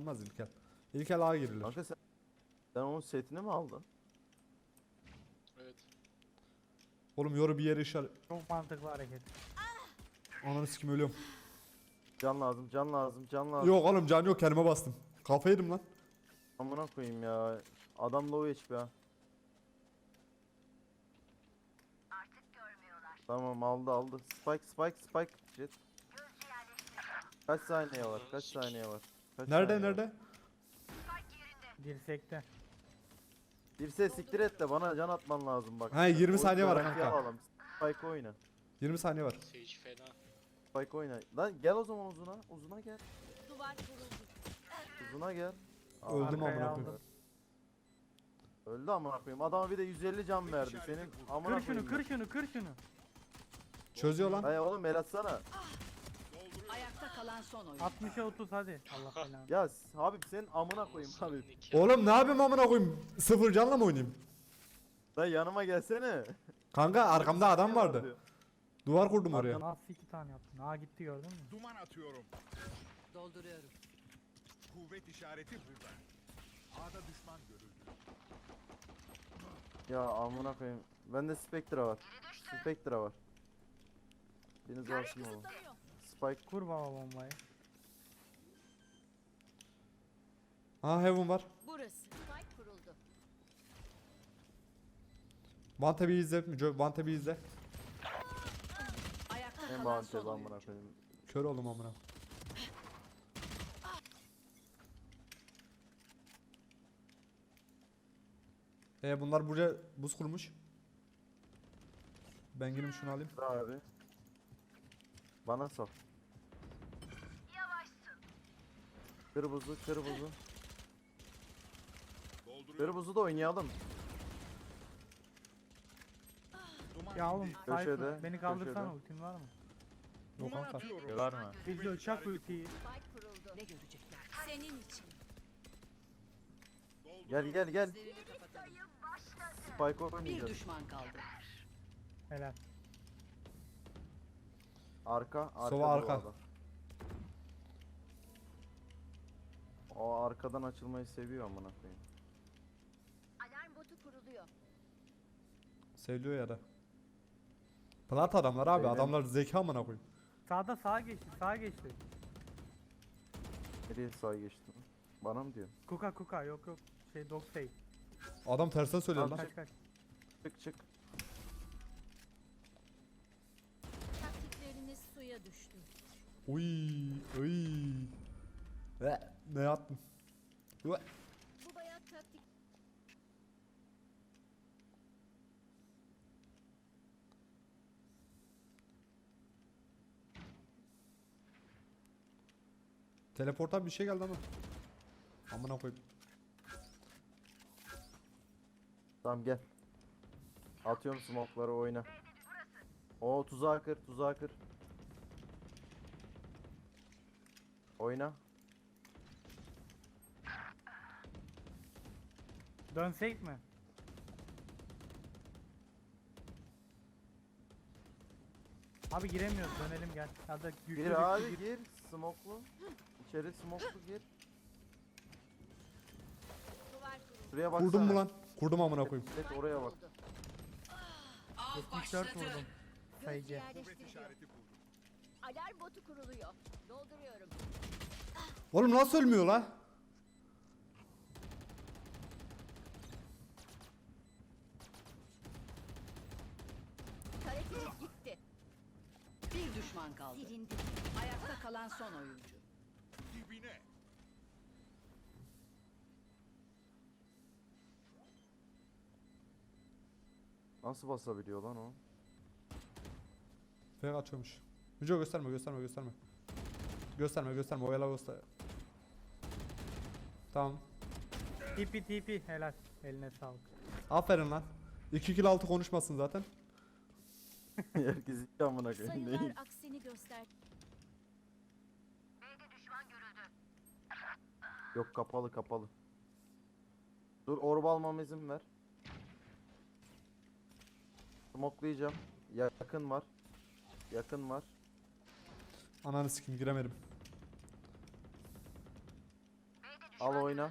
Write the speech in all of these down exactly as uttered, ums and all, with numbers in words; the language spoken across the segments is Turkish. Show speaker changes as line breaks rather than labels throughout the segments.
olmaz İlkel. İlkel A girilir.
Kanka sen, sen onun setini mi aldın?
Evet.
Oğlum yoru bir yere işaret.
Çok mantıklı hareket.
Ananı sikim ölüyorum.
Can lazım, can lazım, can lazım.
Yok oğlum can yok kendime bastım. Kafa yedim lan.
Amına koyayım ya. Adam low H P ha. Tamam aldı aldı. Spike spike spike jet. Kaç saniye var? Kaç saniye var? Kaç
Nerede
saniye var?
nerede?
Dirsekte.
Bir ses siktir et de bana can atman lazım bak.
He, yirmi
Oyun
saniye var
garantiye
kanka.
alalım. Spike oyna.
yirmi saniye var.
Sage fena.
Spike oyna. Lan gel o zaman uzuna. Uzuna gel.
Duvar kuruldu.
Uzuna gel. Aa,
Öldüm
Arkaya
amına
aldım.
koyayım.
Öldü amına koyayım. Adama bir de yüz elli can verdi. Senin amına
Kır şunu
koyayım.
kır şunu kır şunu.
Çözüyor lan.
Hay oğlum el atsana.
Ayakta kalan son oyun.
altmışa otuz hadi. Allah belanı.
Ya Habib senin amına koyayım Habib.
Oğlum ne yapayım amına koyayım? Sıfır canla mı oynayayım?
Lan yanıma gelsene.
Kanka arkamda adam vardı. Duvar kurdum oraya.
Nasıl iki tane yaptın? Aa gitti gördün mü?
Duman atıyorum.
Dolduruyorum.
Kuvvet işareti burada. A'da düşman görüldü.
Ya amına koyayım. Bende Spectre var. Spectre var. Biriniz varsın oğlum. Spike
Kur baba bombayı.
Aha heaven var.
Burası. Spike kuruldu.
Vante bir izle. Müco Vante bir izle.
Ayakta
en
kalan
bağımsız
son
amına
oyun.
koyayım.
Kör oldum amına. E bunlar buraya buz kurmuş. Ben gireyim şunu alayım.
Dur abi. Bana sal. Kır buzu, kır buzu.
Dolduruyorum.
Kır buzu da oynayalım.
Duman
Ya oğlum
indi.
Köşede,
Cypher beni kaldırsana
köşede.
ultin var mı?
Yok
Duman
kanka.
atıyorum.
Var mı?
Biz çak ultiyi.
Spike kuruldu. Ne görecekler? Senin için.
Gel gel gel.
Gözlerini kapatalım.
Spike
Bir
oynayacağız.
düşman kaldı.
Helal.
Arka, arka.
Sova arka.
duvarda. O arkadan açılmayı seviyor amına koyayım.
Alarm botu kuruluyor.
Seviliyor ya da. Plat adamlar abi.
Beyler.
Adamlar zeka amına koyayım.
Sağda sağa geçti sağa geçti.
Nereye sağ geçtin? Bana mı diyor?
Kuka kuka yok yok. Şey dog say.
Adam tersten söylüyor lan.
Kaç kaç.
Çık çık.
Taktikleriniz suya düştü.
Uy, uy. Ve ne yaptın? Ve.
Bu bayat taktik.
Teleporttan bir şey geldi ama. Amına koyayım.
Tamam gel. Atıyorum smoke'ları oyna. O tuzağa kır, tuzağa kır. Oyna.
Dönsek mi? Abi giremiyoruz dönelim gel. Ya da güçlü
Gir
güçlü
abi
gir.
gir. Smoke'lu. İçeri smoke'lu gir.
Duvar kuruldu.
Şuraya baksana.
Kurdum mu lan? Kurdum amına koyayım.
Evet, oraya bak.
Kuruldu.
yetmiş dört vurdum. Sayıcı.
Gözcü
Kuvvet
yerleştiriliyor.
işareti kurdum.
Alarm botu kuruluyor. Dolduruyorum.
Oğlum nasıl ölmüyor la?
Karetiniz gitti. Bir düşman kaldı. Silindi. Ayakta kalan son oyuncu.
Dibine.
Nasıl basabiliyor lan o?
Fake atıyormuş. Müco gösterme gösterme gösterme. Gösterme gösterme oyala göster. Tamam.
T P T P helal. Eline sağlık.
Aferin lan. iki kill altı konuşmasın zaten.
Herkes iki amına koyayım.
Sayılar
Değil.
aksini göster.
Yok kapalı kapalı. Dur orb almama izin ver. Smoke'layacağım. Yakın var. Yakın var.
Ananı sikim giremedim.
Al oyna.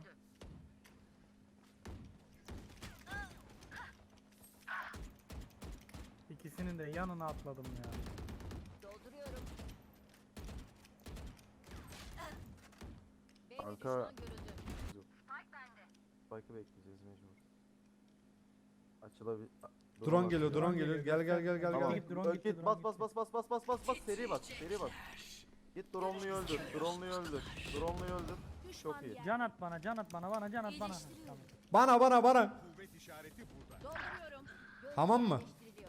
İkisinin de yanına atladım ya.
Dolduruyorum. B'de
Arka-
düşman görüldü.
Spike'ı bekleyeceğiz mecbur. Açılabilir.
Drone geliyor, drone geliyor. Gel gel gel gel
Tamam.
gel.
Git, drone
Ö-
gitti,
git,
drone
bas bas
gitti.
bas bas bas bas bas bas seri bas seri bas. Git drone'luyu öldür. Drone'luyu öldür. Drone'luyu öldür. Çok iyi.
Can at bana, can at bana, bana can at bana. Tamam.
Bana bana bana.
Kuvvet işareti burada.
Dolduruyorum. Gözcü
Tamam mı?
yerleştiriliyor.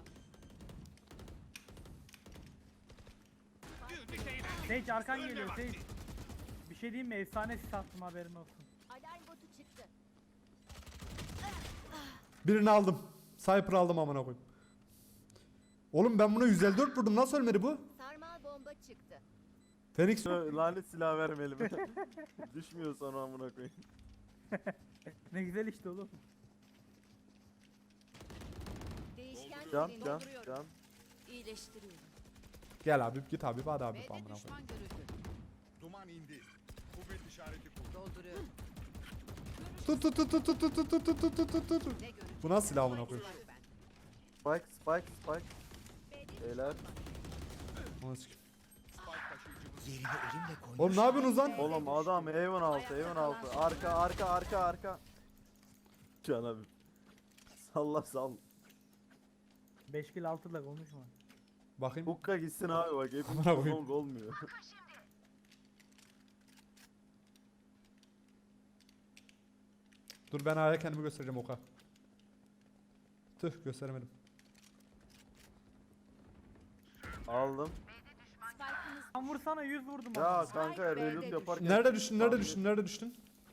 Sage arkan geliyor Sage. Bir şey diyeyim mi? Efsane sis attım, haberin olsun.
Alarm botu çıktı.
Birini aldım. Sniper aldım amına koyayım. Oğlum ben buna yüz elli dört vurdum. Nasıl ölmedi bu?
Sarmal bomba çıktı.
Phoenix
Şu lanet silah vermeyelim. Düşmüyor sonra amına koyayım.
Ne güzel işte oğlum.
Değişken
Can
yerini
can
dolduruyorum.
can.
İyileştiriyorum.
Gel abi git abi hadi abi
B'de
amına koyayım.
düşman görüldü.
Duman indi. Kuvvet işareti burada.
Dolduruyorum.
Tut tut tut tut tut tut tut tut tut tut tut tut.
Ne görüldü?
Bu nasıl silah amına koyayım?
Spike spike spike. Beyler.
Onu sikeyim.
Spike taşıyıcımız.
Yerini elimle koymuş.
Oğlum ne yapıyorsunuz lan?
Oğlum adam evin altı evin altı. Arka arka arka arka. Can abi. Salla sal.
beş kill altı da konuşma.
Bakayım.
Hukka gitsin abi bak hepimiz
Amına koyayım.
long olmuyor.
Dur ben A'ya kendimi göstereceğim oka. Tüh gösteremedim.
Aldım.
Spike'ınız
Lan vursana, yüz vurdum.
Ya
adama.
kanka reload yaparken.
Nerede düştün? Nerede düştün? Nerede düştün?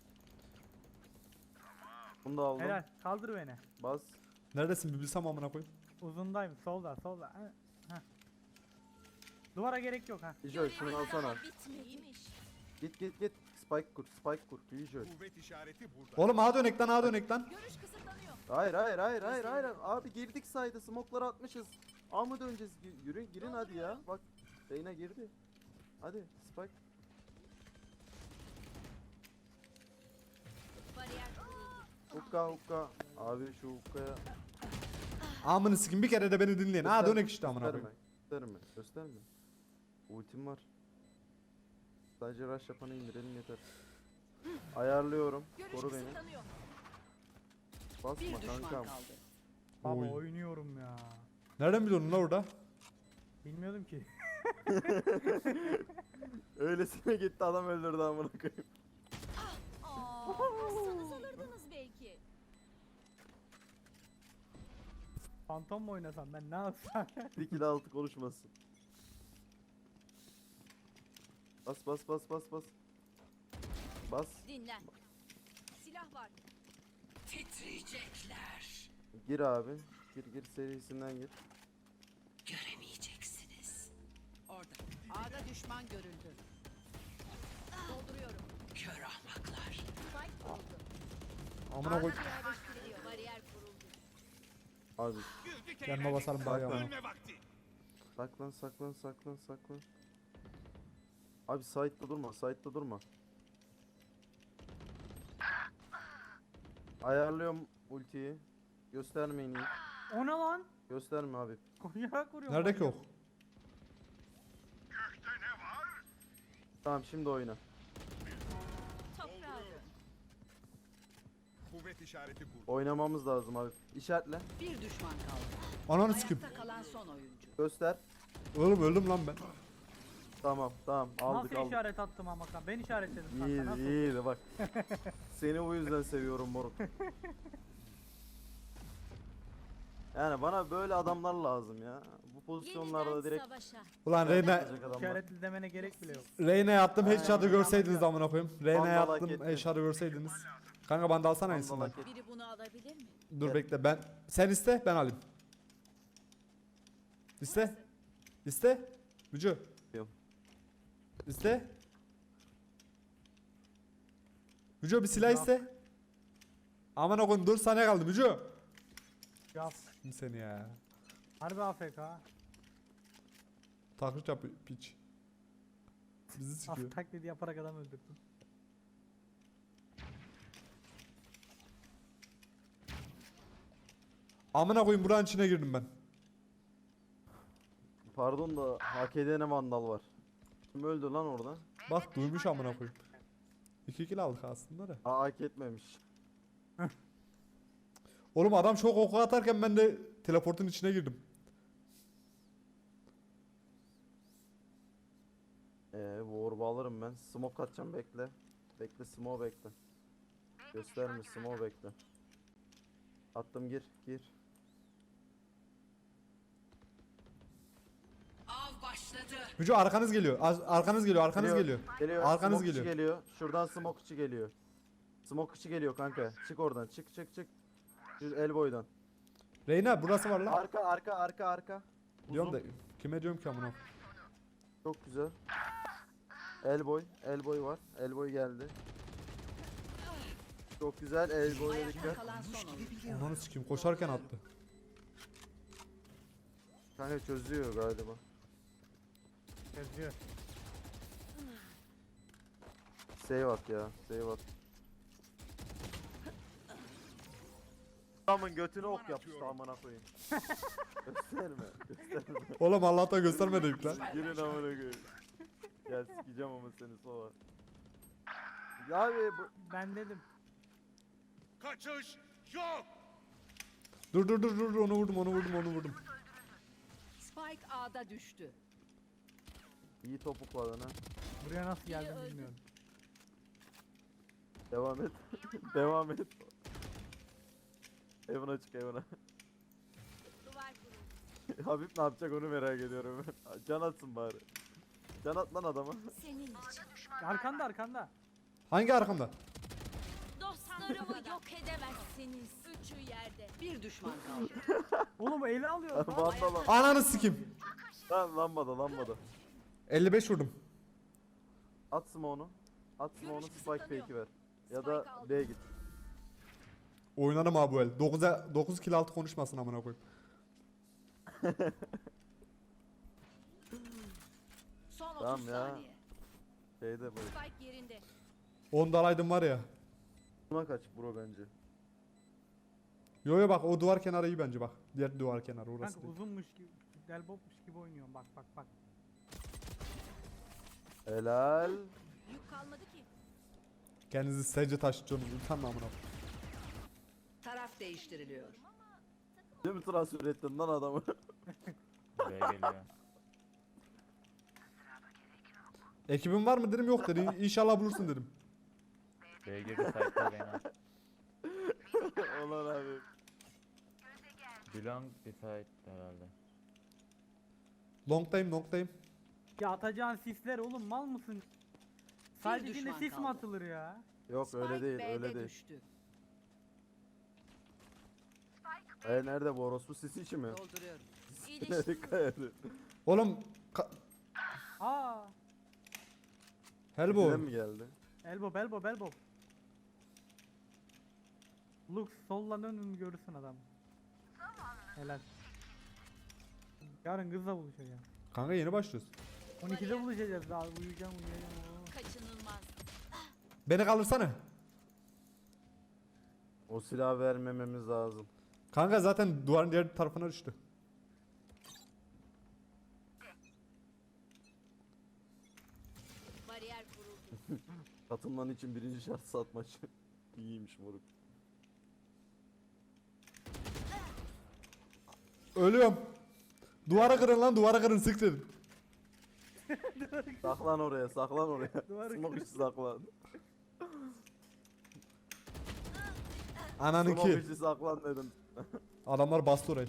Bunu da aldım.
Helal, kaldır beni.
Bas.
Neredesin bir bilsem amına koyayım.
Uzundayım, solda, solda. Ha, ha. Duvara gerek yok ha.
Bijoy şunu alsana.
bitmeymiş.
Git git git. Spike kur spike kur. Bijoy.
Kuvvet işareti burada.
Oğlum A dönek lan A dönek lan.
Görüş kısıtlanıyor.
Hayır hayır hayır hayır hayır. Abi girdik sayda smoke'ları atmışız. A mı döneceğiz? Gi- Yürüyün girin hadi ya. Bak. Reyna girdi. Hadi spike.
Bariyer kuruldu.
Hukka hukka. Abi şu hukkaya.
Amını sikin bir kere de beni dinleyin. A dönek işte amına
Gösterme.
koyayım.
Gösterme. Gösterme. Ultim var. Sadece rush yapanı indirelim yeter. Ayarlıyorum.
Görüş
Koru beni.
kısıtlanıyor.
Basma
Bir düşman
kankam.
kaldı.
Baba
Oy.
oynuyorum ya.
Nereden biliyorsun lan orada?
Bilmiyordum ki.
Öylesine gitti adam öldürdü amına koyayım.
Aa, bassanız alırdınız belki.
Phantom mu oynasam ben, ne yapsam?
Dikili altı konuşmasın. Bas bas bas bas bas. Bas.
Dinlen. Silah var.
Titriyecekler.
Gir abi. Gir gir serisinden gir.
Göremeyeceksiniz. Orada
A'da düşman görüldü. Dolduruyorum.
kör ahmaklar.
Spike kuruldu.
Amına
A'da
koy.
yerleştiriliyor. Bariyer kuruldu.
Abi
Güldük
Yanıma
eğlendik.
basalım bari amına.
Ölme vakti.
saklan saklan saklan saklan. Abi side'da durma side'da durma. Ayarlıyorum ultiyi. Göstermeyin iyi.
O ne lan?
Gösterme abi.
Koşarak vuruyorum.
Nerede ki o?
Tamam şimdi oyna.
Toprağa dön.
Kuvvet işareti burada.
Oynamamız lazım abi. İşaretle.
Bir düşman kaldı.
Ananı sikim.
Ayakta kalan son oyuncu.
Göster.
Oğlum öldüm lan ben.
Tamam tamam aldık
Nasıl
aldık.
işaret attım ama kan? Ben işaretledim kanka,
İyiydi
nasıl?
iyiydi bak. Seni bu yüzden seviyorum moruk. Yani bana böyle adamlar lazım ya. Bu pozisyonlarda direkt
savaşa.
Ulan Reyna,
yapacak adamlar.
İşaretli demene gerek bile yok.
Reyna'ya attım
Aynen.
headshot'ı görseydiniz amına koyayım. Reyna'ya
Vandal hak
attım
ettin.
headshot'ı görseydiniz. Kanka bana da alsana
Vandal
aynısından.
hak et-
Biri bunu alabilir mi?
Dur
Gel.
bekle ben. Sen iste ben alayım. İste. İste. Mücü.
Yok.
İste. Mücü bir silah
Yok.
iste. Aman okun dur saniye kaldı Mücü.
Ya
Kim seni ya?
harbi A F K.
Taklit yap piç. Bizi sikiyor.
Af taklidi yaparak adam öldürdüm.
Amına koyayım buranın içine girdim ben.
Pardon da hak edene vandal var. Kim öldü lan orada?
Bak duymuş amına koyayım. İki kill aldık aslında da.
Aa, hak etmemiş.
Oğlum adam çok oku atarken ben de teleportun içine girdim.
Eee bu orba alırım ben. Smoke atacağım bekle. Bekle smoke bekle. Gösterme smoke bekle. Attım gir gir.
Av başladı.
Müco arkanız geliyor. Az- Arkanız geliyor, arkanız geliyor.
Geliyor.
Arkanız
smoke içi
geliyor.
geliyor. Şuradan smoke içi geliyor. Smoke içi geliyor kanka. Çık oradan. Çık çık çık. Şu elboy'dan.
Reyna burası var lan.
Arka arka arka arka.
Diyorum da
Uzun.
kime diyorum ki amına.
Çok güzel. Elboy. Elboy var. Elboy geldi. Çok güzel. Elboy'a
Ayakta
dikkat.
kalan son oyun.
Ananı sikeyim koşarken attı.
Kanka çözüyor galiba.
Yazıyor.
Save at ya. Save at. Adamın götüne ok yapıştı amına koyayım. Gösterme. Gösterme.
Oğlum Allah'tan göstermedik lan.
Girin amına koyayım. Gel sikeceğim ama seni sonra. Ya abi bu
Ben dedim.
Kaçış yok.
Dur dur dur dur onu vurdum onu vurdum onu vurdum.
Spike A'da düştü.
iyi topuk var lan ha.
Buraya nasıl geldim bilmiyorum.
Devam et. Devam et. Evine çık evine. Habib ne yapacak onu merak ediyorum ben. Can atsın bari. Can at lan adama.
Arkanda arkanda.
Hangi arkamda?
Dostlarımı yok edemezsiniz. Üçü yerde.
Bir düşman kaldı.
Oğlum ele alıyor. lan.
Vandal al.
Ananı sikeyim.
Lan lambada lambada.
elli beş vurdum.
At smoke'unu. At smoke'unu
Görüş
spike
kısıtlanıyor.
fake'i ver. Ya
Spike
da
aldım.
B'ye git.
Oynarım abi bu el. dokuza dokuz kill altı konuşmasın amına koyayım.
Son otuz
Tamam ya.
saniye.
Şeyde böyle.
Spike yerinde.
on dalaydım var ya.
Buna kaç bro bence.
Yo yo bak o duvar kenarı iyi bence bak. Diğer duvar kenarı orası
Kanka
değil.
uzunmuş gibi. Delbopmuş gibi oynuyorum. Bak bak bak.
Helal.
Yük kalmadı ki.
Kendinizi sece taşıtıyorsunuz. Utanma amına koyayım.
Taraf değiştiriliyor.
Değil mi transfer ettin lan adamı?
Buraya geliyor.
Ekibin var mı dedim yok dedi. İnşallah bulursun dedim.
Buraya girdi site'da Reyna.
Ulan abi.
Belong bir site herhalde.
Long'dayım long'dayım.
Ya atacağın sisler oğlum mal mısın? Sadece içinde
düşman
sis mi
kaldı.
atılır ya?
Yok öyle
Spike
değil
B'de
öyle değil.
düştü.
E nerede bu orospu sisi içi mi?
Dolduruyorum.
Dikkat edin.
Oğlum ka-
Aa!
Bizden
Helbo.
mi geldi?
Elbow elbow elbow. Lux sollan önünü görürsün adam. Helal. Yarın kızla buluşacağım.
Kanka yeni başlıyoruz.
on ikide buluşacağız daha uyuyacağım uyuyacağım. Oo.
Kaçınılmaz.
Beni kaldırsana.
O silahı vermememiz lazım.
Kanka zaten duvarın diğer tarafına düştü.
Bariyer kuruldu.
Katılman için birinci şart satmaç. İyiymiş moruk.
Ölüyorum. Duvara kırın lan duvara kırın sık dedim.
Saklan oraya saklan oraya.
Duvarı
Smoke içi saklan.
Ananı
Smoke
ki.
içi saklan dedim.
Adamlar bastı orayı.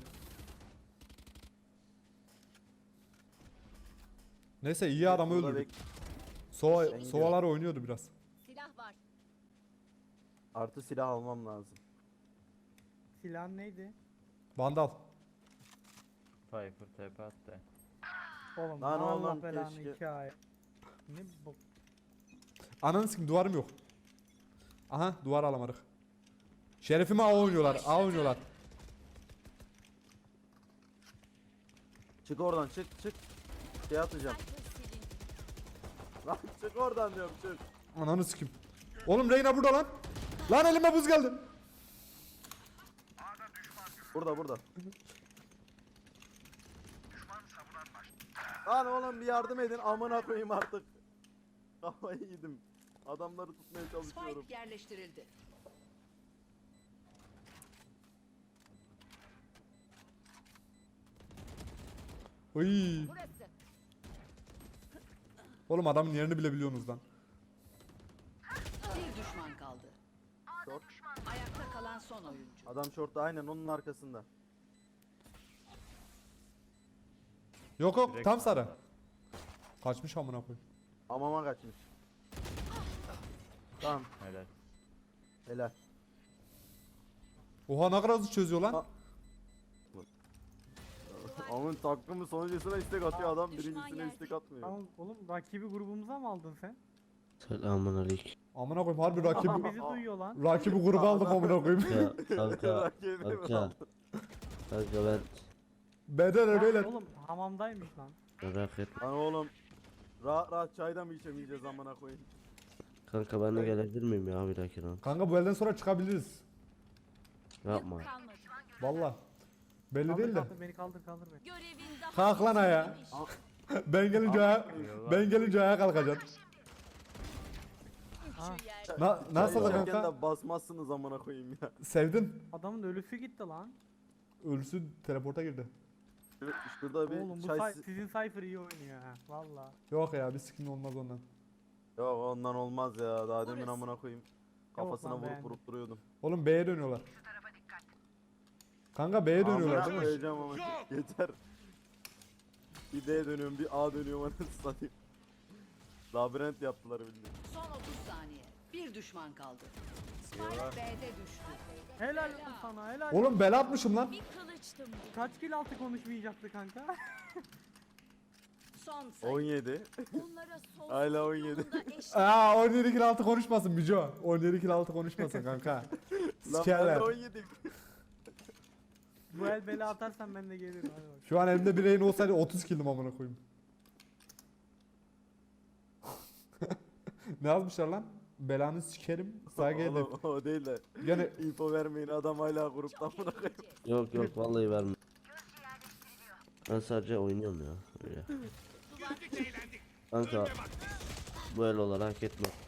Neyse iyi adamı
Burada
öldürdük.
bek-
Sova,
Ben gidiyorum.
sovalar oynuyordu biraz.
Silah var.
Artı silah almam lazım.
Silahın neydi?
Vandal.
Cypher tepe attı.
Oğlum
Lan
Allah
oğlum,
belanı
keşke.
iki ay. Ne bu?
Ananı sikim duvarım yok. Aha duvar alamadık. Şerefime A oynuyorlar. A oynuyorlar.
Çık oradan çık çık. Şey atacağım.
Cypher silindi.
Lan çık oradan diyorum çık.
Ananı sikim. Oğlum Reyna burada lan. Lan elime buz geldi.
Burada burada. Lan oğlum bir yardım edin amına koyayım artık. Kafayı yedim. Adamları tutmaya çalışıyorum.
Spike yerleştirildi.
Oy.
Burası.
Oğlum adamın yerini bile biliyorsunuz lan.
Bir düşman kaldı.
Short.
Ayakta kalan son oyuncu.
Adam shortta aynen onun arkasında.
Yok yok
Direkt-
tam sarı. Kaçmış amına koyayım.
Amama kaçmış. Tamam
Helal.
helal.
Oha ne kadar hızlı çözüyor lan.
Aa. Amın takımı sonuncusuna istek atıyor adam
Düşman
birincisine
yerde.
istek atmıyor.
Tamam oğlum rakibi grubumuza mı aldın sen?
Selamun aleyküm.
Amına koyayım harbi
Adam
rakibi
bizi duyuyor lan.
rakibi gruba aldık amına koyayım.
Ya kanka,
Rakibi mi
kanka,
aldı?
kanka ben
Beden
Ya
beyler.
oğlum hamamdaymış lan.
merak etme.
Lan oğlum rahat rahat çayda mı içemeyeceğiz amına koyayım.
Kanka ben de gelebilir miyim ya bir dakika lan?
Kanka bu elden sonra çıkabiliriz.
Yapma.
Yük kalmadı.
Valla. Belli
Kaldır,
değil de.
kaldır, beni kaldır kaldır beni.
Görevin daha
Kalk lan ayağa.
bitmemiş.
Ben gelince ayağa, ben gelince ayağa kalkacaksın.
Ha,
Üçü yerde.
Na, nasıl
Çay
da
içerken
kanka?
de basmazsınız amına koyayım ya.
Sevdin.
adamın ölüsü gitti lan.
Ölüsü teleporta girdi.
Şur- Şurada bir
Oğlum bu
çay...
say-
si-
sizin Cypher iyi oynuyor ha. Valla.
Yok ya bir skin olmaz ondan.
Yok ondan olmaz ya daha demin
Orası.
amına koyayım. Kafasına
lan,
vurup
beğendim.
vurup duruyordum.
Oğlum B'ye dönüyorlar. Kanka B'ye dönüyorlar
Amına
değil mi?
koyacağım ama yeter. Bir D dönüyorum bir A dönüyorum anasını satayım. Labirent yaptılar bildiğin.
Son otuz saniye. Bir düşman kaldı. Spike
Eyvah.
B'de düştü.
Helal olsun sana helal.
Oğlum bela atmışım lan.
Bir kılıçtım bu.
Kaç kill altı konuşmayacaktı kanka?
Son sayı.
on yedi.
Onlara sonsuzluk
Hala on yedi.
yolunda eşlik
Aa on yedi kill altı konuşmasın Bico. on yedi kill altı konuşmasın kanka.
Lan ben de
Sikerler.
on yedi.
Bu el bela atarsan ben de gelirim hadi bak.
Şu an elimde bir rehin olsaydı otuz kill'im amına koyayım. Ne yazmışlar lan? Belanı sikerim. Saygı edip.
Oğlum, o değil de.
Gene
info vermeyin adam hala grupta amına koyayım.
Yok yok vallahi verme. Ben sadece oynuyorum ya. Öyle. Kanka bu el olarak hak etmez.